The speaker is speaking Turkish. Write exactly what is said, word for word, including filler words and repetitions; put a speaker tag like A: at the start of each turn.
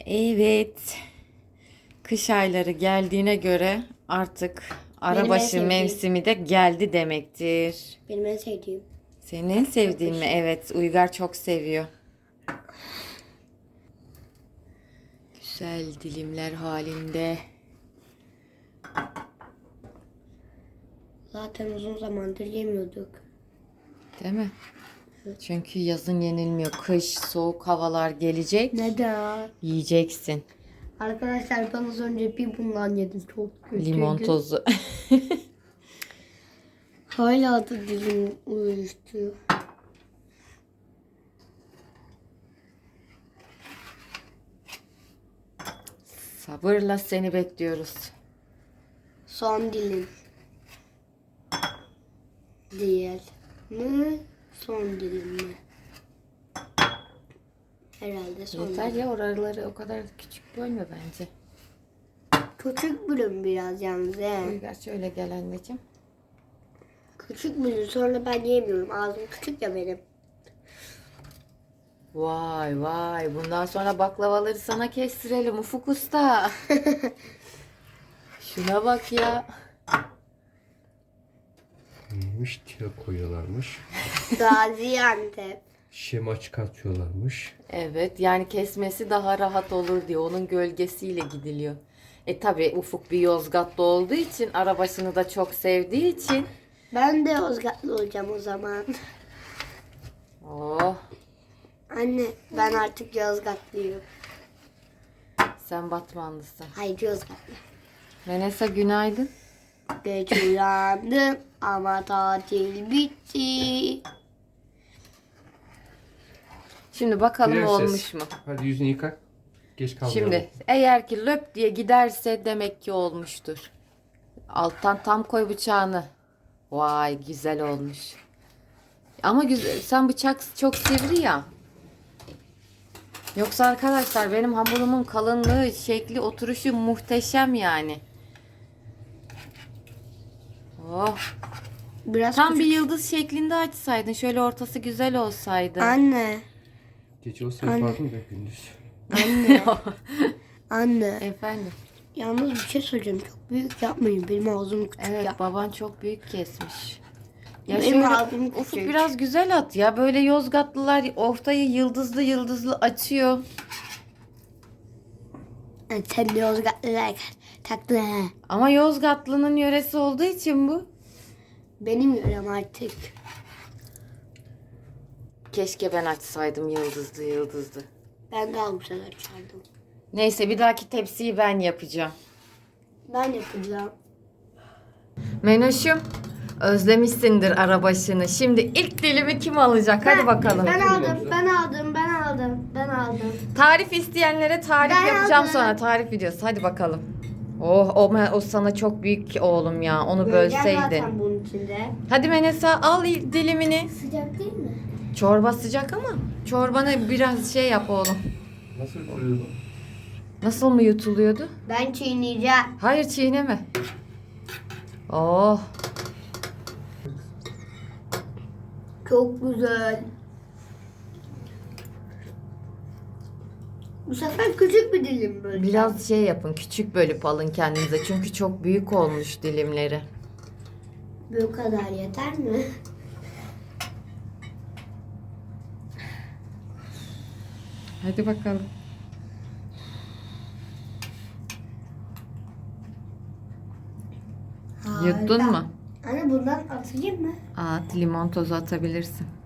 A: Evet. Kış ayları geldiğine göre artık
B: Benim en
A: arabaşı
B: sevdiğim.
A: mevsimi de geldi demektir.
B: Benim en sevdiğim.
A: Senin en sevdiğin mi?
B: Kış.
A: Evet, Uygar çok seviyor. Güzel dilimler halinde.
B: Zaten uzun zamandır yemiyorduk.
A: Değil mi? Çünkü yazın yenilmiyor. Kış, soğuk havalar gelecek.
B: Neden?
A: Yiyeceksin.
B: Arkadaşlar ben az önce bir bundan yedim. Çok kötüydü.
A: Limon tozu.
B: Hala da dilim uyuştu.
A: Sabırla seni bekliyoruz.
B: Son dilim. Değil mi? Son dilim mi? Herhalde son
A: Yeter
B: dilim.
A: ya, oraları o kadar küçük bölme bence.
B: Küçük bölüm biraz yalnız he.
A: Uygar şöyle gel anneciğim.
B: Küçük bölüm sonra ben yemiyorum. Ağzım küçük ya benim.
A: Vay vay, bundan sonra baklavaları sana kestirelim Ufuk Usta. Şuna bak ya.
C: Neymiş? Tire koyuyorlarmış.
B: Gaziantep.
C: Şema çıkartıyorlarmış.
A: Evet, yani kesmesi daha rahat olur diye onun gölgesiyle gidiliyor. E tabi Ufuk bir Yozgatlı olduğu için, arabasını da çok sevdiği için.
B: Ben de Yozgatlı olacağım o zaman.
A: Oh,
B: Anne ben artık Yozgatlıyım.
A: sen Batmanlısın.
B: Hayır Yozgatlı.
A: Menesa günaydın.
B: Geç uyandım ama tatil bitti.
A: Şimdi bakalım
C: Prenses.
A: olmuş mu?
C: Hadi yüzünü yıka. Geç kalmayalım.
A: Şimdi eğer ki löp diye giderse demek ki olmuştur. Alttan tam koy bıçağını. Vay güzel olmuş. Ama güzel, sen bıçak çok sivri ya. Yoksa arkadaşlar benim hamurumun kalınlığı, şekli, oturuşu muhteşem yani. Oh.
B: Biraz
A: Tam bir
B: küçük.
A: yıldız şeklinde açsaydın, şöyle ortası güzel olsaydı.
B: Anne.
C: Gece olsa
B: Anne.
C: yapardım da gündüz.
B: Anne. Anne.
A: Efendim.
B: Yalnız bir şey söyleyeceğim. Çok büyük yapmayın. Benim ağzım küçük
A: Evet,
B: ya.
A: baban çok büyük kesmiş. Ya
B: Benim
A: şöyle
B: ağzım
A: Ufuk
B: küçük.
A: biraz güzel at ya. Böyle Yozgatlılar ortayı yıldızlı yıldızlı açıyor.
B: Yani sen de Yozgatlılar tatlı he.
A: Ama Yozgatlı'nın yöresi olduğu için bu.
B: Benim yörem artık.
A: Keşke ben açsaydım yıldızlı yıldızlı.
B: Ben daha güzel açardım.
A: Neyse, bir dahaki tepsiyi ben yapacağım.
B: Ben yapacağım.
A: Menoş'um, özlemişsindir arabaşını. Şimdi ilk dilimi kim alacak? Hadi bakalım.
B: Ben aldım, ben aldım, ben aldım, ben aldım.
A: Tarif isteyenlere tarif
B: Ben
A: yapacağım
B: aldım.
A: sonra. Tarif videosu. Hadi bakalım. Oh, o, o sana çok büyük oğlum ya. Onu
B: Böleceğim
A: bölseydin.
B: zaten bunun içinde.
A: Hadi Menesa, al il- dilimini.
B: Sıcak değil mi?
A: Çorba sıcak ama çorbanı biraz şey yap oğlum.
C: Nasıl koyuyor bu?
A: Nasıl mı yutuluyordu?
B: Ben çiğneyeceğim.
A: Hayır, çiğneme. Oh.
B: Çok güzel. Bu sefer küçük bir dilim böyle.
A: Biraz şey yapın, küçük bölüp alın kendinize. Çünkü çok büyük olmuş dilimleri.
B: Bu kadar yeter mi?
A: Hadi bakalım. Yuttun
B: Harika.
A: mu?
B: Anne bundan atayım mı?
A: At, limon tozu atabilirsin.